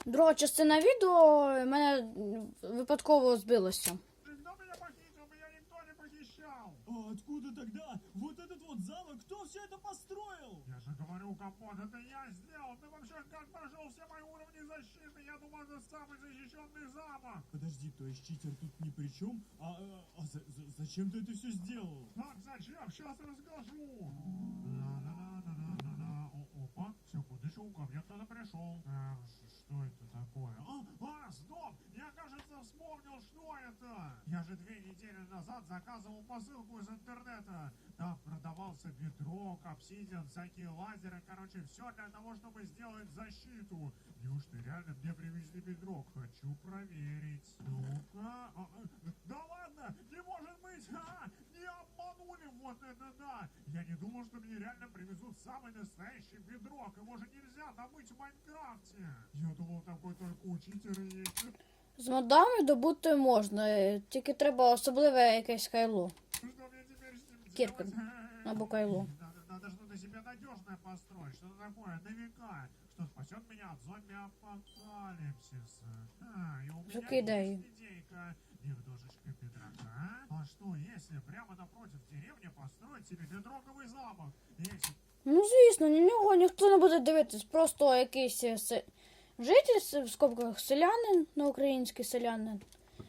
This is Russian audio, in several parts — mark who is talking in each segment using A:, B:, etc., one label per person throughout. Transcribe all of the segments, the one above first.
A: Друга частина відео мене випадково збилося.
B: Кто меня похитил? Меня никто не похищал.
C: А откуда тогда вот этот вот замок? Кто все это построил?
B: Я же говорю, Компот, это я сделал. Ты вообще как прошел все мои уровни защиты? Я думал, это самый защищенный замок.
C: Подожди, то есть читер тут ни при чем? Зачем ты это все сделал?
B: Так, зачем? Сейчас расскажу. Да-да-да-да-да-да. Опа, секундочку, ко мне кто-то пришел. Что это такое? Стоп! Я, кажется, вспомнил, что это. Я же 2 недели назад заказывал посылку из интернета. Там продавался бедрок, обсидиан, всякие лазеры. Короче, все для того, чтобы сделать защиту. Неужто реально мне привезли бедрок? Хочу проверить. Ну-ка. Да ладно! Не может быть! Не обманули! Вот это да! Я не думал, что мне реально привезут самый настоящий бедрок. Его же нельзя добыть в Майнкрафте. Я думал, такой только у читера есть.
A: З модами добути можна, тільки треба особливе якесь кайло.
B: Что мне теперь с ним
A: Кирка.
B: делать?
A: Або кайло.
B: Надо что-то себе надежное построить. Что-то такое, на века. Что спасет меня от зомби-апокалипсиса. И у меня
A: Закидай.
B: есть идейка. Немножечко бедрока. А что, если прямо напротив деревни построить себе бедроковый замок? Если...
A: Ну, звісно, на нього ніхто не буде дивитись. Просто якийсь житель, в скобках селянин, на український селянин,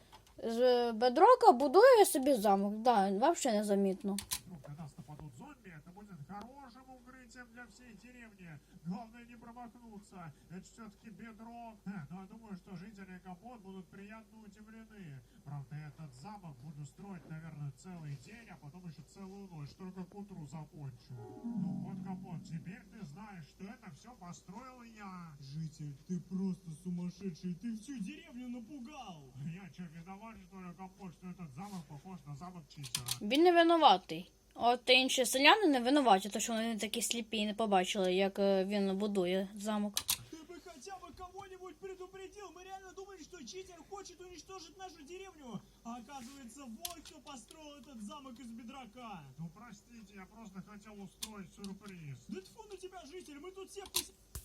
A: з бедрока будує собі замок. Да, взагалі незамітно.
B: Вдруг на нас нападут зомби, это будет хорошим укрытием для всей деревни. Главное не промахнуться. Это все-таки бедрок. Но я думаю, что жители Компот будут приятно удивлены. Правда, этот замок буду строить, наверное, целый день, а потом еще целую ночь. Только к утру закончу. Ну вот, Компот, теперь ты знаешь, что это все построил я.
C: Житель, ты просто сумасшедший, ты всю деревню напугал.
B: Я что, виноват, что ли, Компот, что этот замок похож на замок читера?
A: Він не винуватий. От інші селяни не винуваті, тому що вони такі сліпі і не побачили, як він будує замок.
C: Ты бы хотя бы кого-нибудь предупредил. Мы реально думали, что читер хочет уничтожить нашу деревню. А оказывается, вот кто построил этот замок из бедрока.
B: Ну, простите, я просто хотел устроить сюрприз.
C: Да тьфу на тебя, житель, мы тут все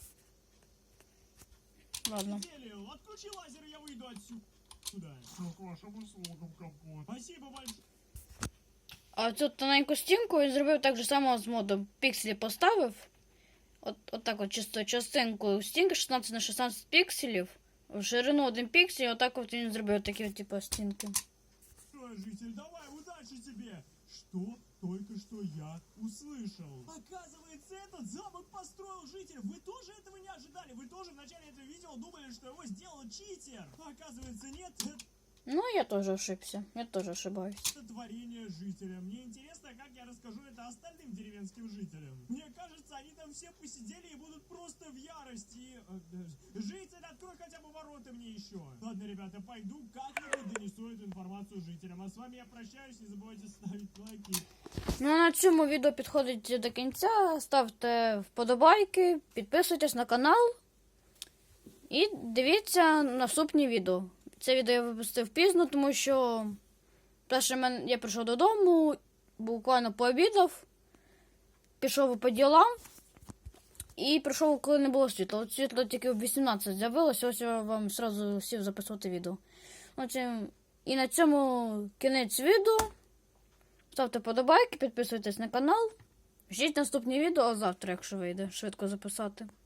A: Ладно.
C: посидели. Отключи лазер, и я выйду отсюда.
B: Все к вашим услугам, Компот.
C: Спасибо большое.
A: А цю тоненьку стінку він зробив так же само з модом. Пікселі поставив. От так от чисто частинку стінки 16 на 16 пікселів. В ширину 1 піксель, отак от він зробив такі от, типу, стінки.
C: Житель, давай, удачи тебе! Что только что я услышал? Оказывается, этот замок построил житель. Вы тоже этого не ожидали? Вы тоже в начале этого видео думали, что его сделал читер? Оказывается, нет,
A: Ну, я теж ошибся. Я теж ошибаюсь.
C: это творение жителя. Мне интересно, как я расскажу это остальным деревенским жителям. Мне кажется, они там все посидели и будут просто в ярости. Житель, открой хотя бы ворота мне еще. Ладно, ребята, пойду как-нибудь донесу эту информацию жителям. А с вами я прощаюсь, не забывайте ставить лайки.
A: Ну, а на цьому відео підходить до кінця. Ставте вподобайки, підписуйтесь на канал і дивіться наступні відео. Це відео я випустив пізно, тому що перше я прийшов додому, буквально пообідав, пішов по ділам і прийшов, коли не було світла. От світло тільки в 18 з'явилося, ось я вам одразу сів записувати відео. І на цьому кінець відео. Ставте подобайки, підписуйтесь на канал. Ждіть наступні відео, а завтра, якщо вийде, швидко записати.